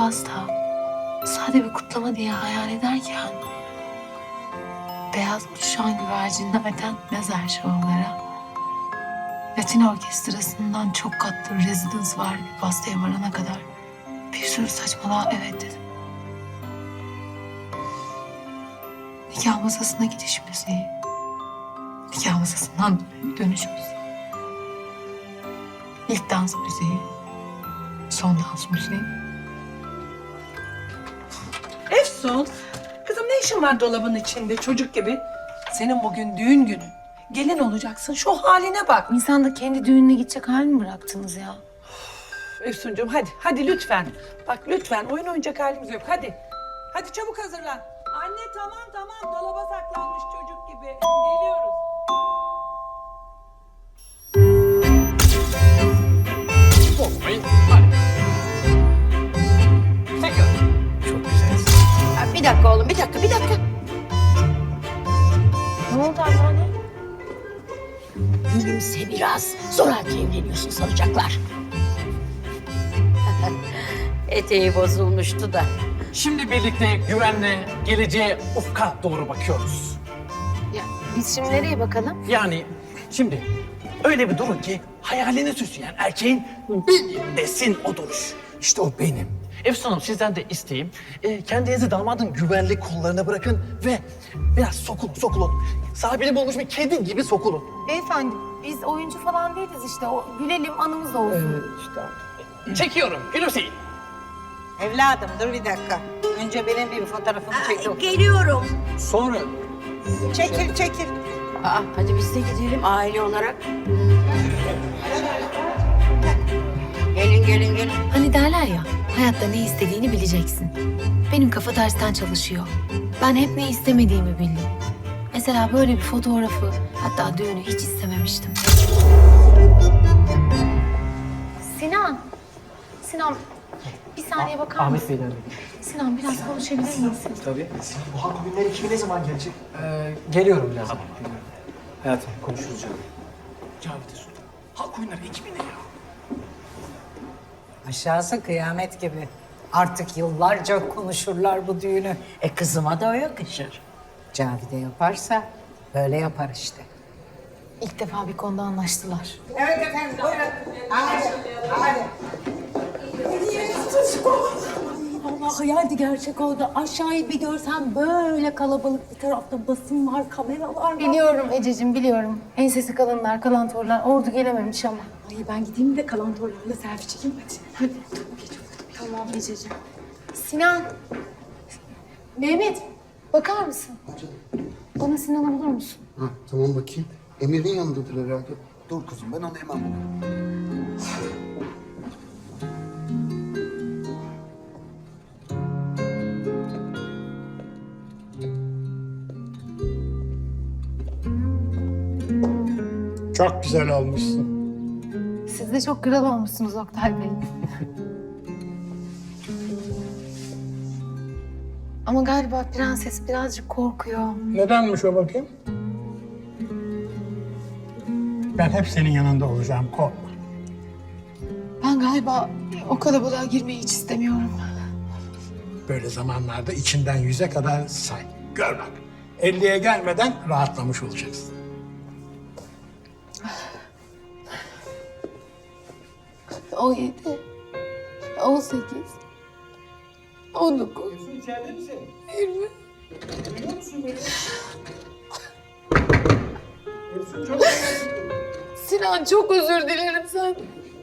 pasta sade bir kutlama diye hayal ederken beyaz uçuşan güvercinlerden mezar şovlara, Latin orkestrasından çok katlı rezidans var bir pastaya varana kadar bir sürü saçmalığa evet dedim. Nikah masasına gidiş müziği, nikah masasından dönüş müziği, ilk dans müziği, son dans müziği. Efsun, kızım ne işin var dolabın içinde çocuk gibi? Senin bugün düğün günü. Gelin olacaksın, şu haline bak. İnsan da kendi düğününe gidecek hal mi bıraktınız ya? Efsuncuğum hadi lütfen. Bak lütfen oyun oynayacak halimiz yok hadi. Hadi çabuk hazırlan. Anne tamam dolaba saklanmış çocuk gibi. Geliyoruz. Bozmayın. Hadi. Tekrar. Çok güzelsin. Ya bir dakika oğlum, bir dakika. Ne oldu anneanne? Gülümse biraz. Zoraki evleniyorsun sanacaklar. Eteği bozulmuştu da. Şimdi birlikte güvenle geleceğe ufka doğru bakıyoruz. Ya biz şimdi nereye bakalım? Yani şimdi öyle bir durun ki hayalini süsleyen erkeğin benim desin o duruş. İşte o benim. Efsun Hanım sizden de isteğim. Kendinizi damadın güvenli kollarına bırakın ve biraz sokulun. Sahibini bulmuş bir kedi gibi sokulun. Beyefendi biz oyuncu falan değiliz işte. O gülelim anımız olsun. Çekiyorum, gülümseyin. Evladım dur bir dakika. Önce benim bir fotoğrafımı çek. Geliyorum. Sonra Çekil. Aa, hadi biz de gidelim aile olarak. Gelin. Hani derler ya hayatta ne istediğini bileceksin. Benim kafa tersten çalışıyor. Ben hep ne istemediğimi bildim. Mesela böyle bir fotoğrafı hatta düğünü hiç istememiştim. Sinan bir saniye bakar mısın? Bey'den Sinan biraz konuşabilir misin? Tabii. Bu halk oyunları ekibi ne zaman gelecek? Geliyorum birazdan. Hayatım konuşuruz canım. Cavide Sultan. Halk oyunları ekibi ne ya? Aşağısı kıyamet gibi. Artık yıllarca konuşurlar bu düğünü. Kızıma da o yakışır. Cavide yaparsa böyle yapar işte. İlk defa bir konuda anlaştılar. Evet efendim buyurun. Hadi. Vallahi hayaldi gerçek oldu. Aşağıyı bir görsem böyle kalabalık bir tarafta basın var, kameralar var. Biliyorum Ececiğim biliyorum. Ensesi kalınlar, kalantorlar ordu gelememiş ama. Ay ben gideyim de kalantorlarla selfie çekeyim hadi. Tamam Ececiğim. Sinan. Mehmet bakar mısın? Bana Sinan'ı bulur musun? Ha, tamam bakayım. Emir'in yanındadır herhalde. Dur kızım ben onu hemen bulurum. Çok güzel olmuşsun. Siz de çok kral olmuşsunuz Oktay Bey. Ama galiba prenses birazcık korkuyor. Nedenmiş o bakayım? Ben hep senin yanında olacağım, korkma. Ben galiba o kalabalığa girmeyi hiç istemiyorum. Böyle zamanlarda içinden 100'e kadar say. Gör bak. 50'ye gelmeden rahatlamış olacaksın. O 7, 18, 19, 20. Sinan çok özür dilerim sen.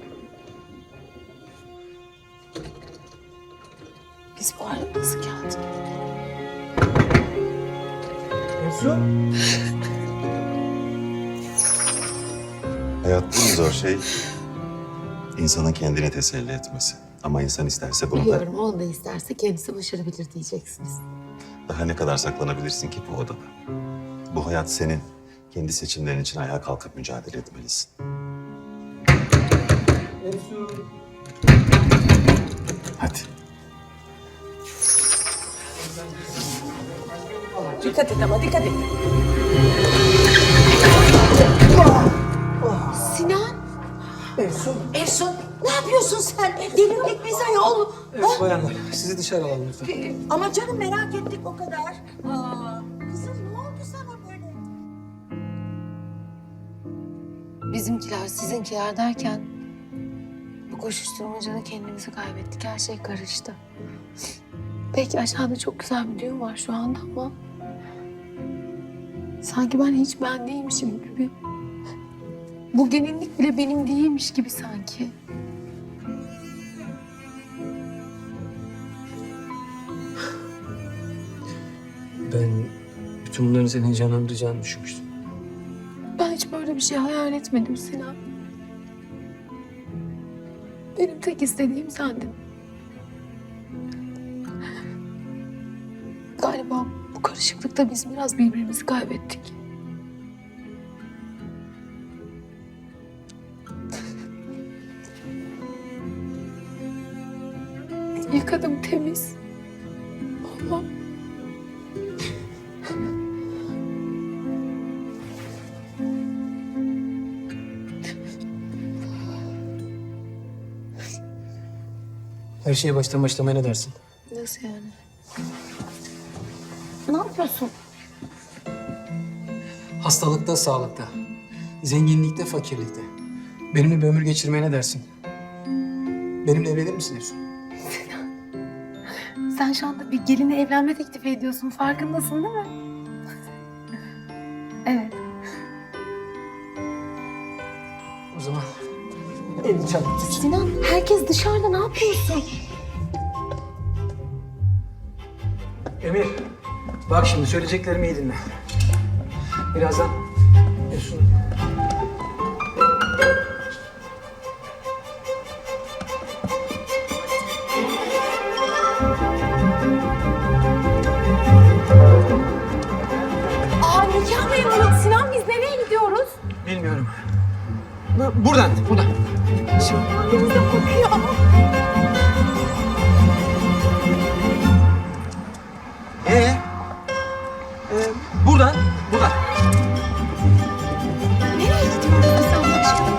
Biz bu arada nasıl geldik? Hayatta en zor şey insanın kendini teselli etmesi. Ama insan isterse bunu da Biliyorum onu da isterse kendisi başarabilir diyeceksiniz. daha ne kadar saklanabilirsin ki bu odada? Bu hayat senin. Kendi seçimlerin için ayağa kalkıp mücadele etmelisin. Hadi. Dikkat et ama dikkat et. Sinan! Ersun ne yapıyorsun sen? Delirdik biz ayol. Ha? Bayanlar, sizi dışarı alalım lütfen. Ama canım merak ettik o kadar. Aa, kızım ne oldu sana böyle? Bizimkiler, sizinkiler derken bu koşuşturmacada kendimizi kaybettik. Her şey karıştı. Belki aşağıda çok güzel bir düğün var şu anda ama sanki ben hiç ben değilmişim gibi. Bu gelinlik bile benim değilmiş gibi sanki. Ben bütün bunların seni heyecanlandıracağını düşünmüştüm. Ben hiç böyle bir şey hayal etmedim Sinan. Benim tek istediğim sendin. Galiba bu karışıklıkta biz biraz birbirimizi kaybettik. Yıkadım temiz. Ama Her şeye baştan başlamaya ne dersin? nasıl yani? Ne yapıyorsun? Hastalıkta, sağlıkta, zenginlikte, fakirlikte. Benimle bir ömür geçirmeye ne dersin? Benimle evlenir misin Efsun? Sen şu anda bir geline evlenme teklifi ediyorsun. Farkındasın değil mi? Evet. O zaman elini çabuk tut. Sinan, herkes dışarıda. Ne yapıyorsun? Emir, bak şimdi söyleyeceklerimi iyi dinle. Birazdan Efsun... Aa nikah memuru. Sinan biz nereye gidiyoruz? Bilmiyorum. Buradan. Elimizde kokuyor. Buradan. Nereye gidiyoruz biz Allah aşkına?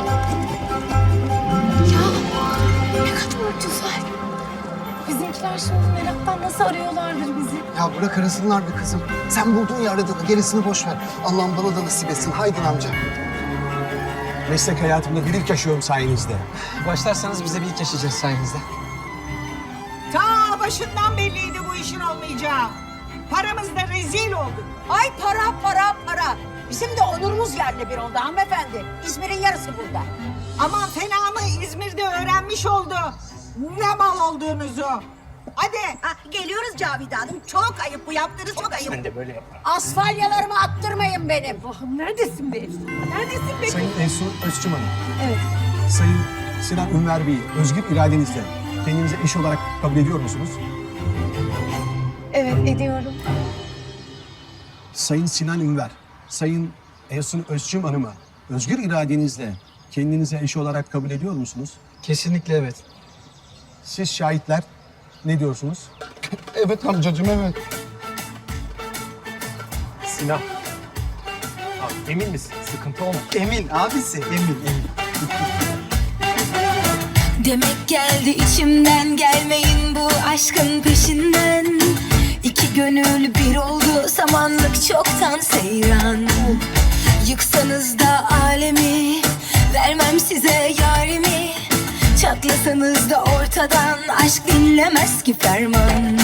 Ya ne kadar güzel. Bizimkiler şimdi meraktan nasıl arıyorlardır bizi? Ya bırak arasınlar be kızım. Sen buldun ya aradığını, gerisini boş ver. Allah'ım bana da nasip etsin. Haydin amca. Meslek hayatımda bir ilk yaşıyorum sayenizde. Başlarsanız bize bir ilk yaşayacağız sayenizde. Ta başından belliydi bu işin olmayacağı. Paramız da rezil oldu. Ay para. Bizim de onurumuz yerle bir oldu hanımefendi. İzmir'in yarısı burada. Aman fena mı İzmir'de öğrenmiş oldu. Ne mal olduğunuzu. Hadi. Geliyoruz Cavide Hanım. Çok ayıp bu yaptığınız çok ayıp. Ben de böyle yaparım. Asfalyalarımı attırmayın benim. Allah'ım neredesin be Efsun? Neredesin be? Sayın Efsun Özçım Hanım. Evet. Sayın Sinan Ünver Bey'i özgür iradenizle kendinize eş olarak kabul ediyor musunuz? Evet ediyorum. Sayın Sinan Ünver, Sayın Efsun Özçım Hanım'ı özgür iradenizle kendinize eş olarak kabul ediyor musunuz? Kesinlikle evet. Siz şahitler ne diyorsunuz? Evet amcacığım, evet. Sinan. Abi, emin misin? Sıkıntı olmaz. Emin abisi, emin. Demek geldi içimden, gelmeyin bu aşkın peşinden. İki gönül bir oldu, samanlık çoktan seyran. Yıksanız da alemi, vermem size yarimi. Çatlasanız da ortadan, aşk dinlemez ki ferman.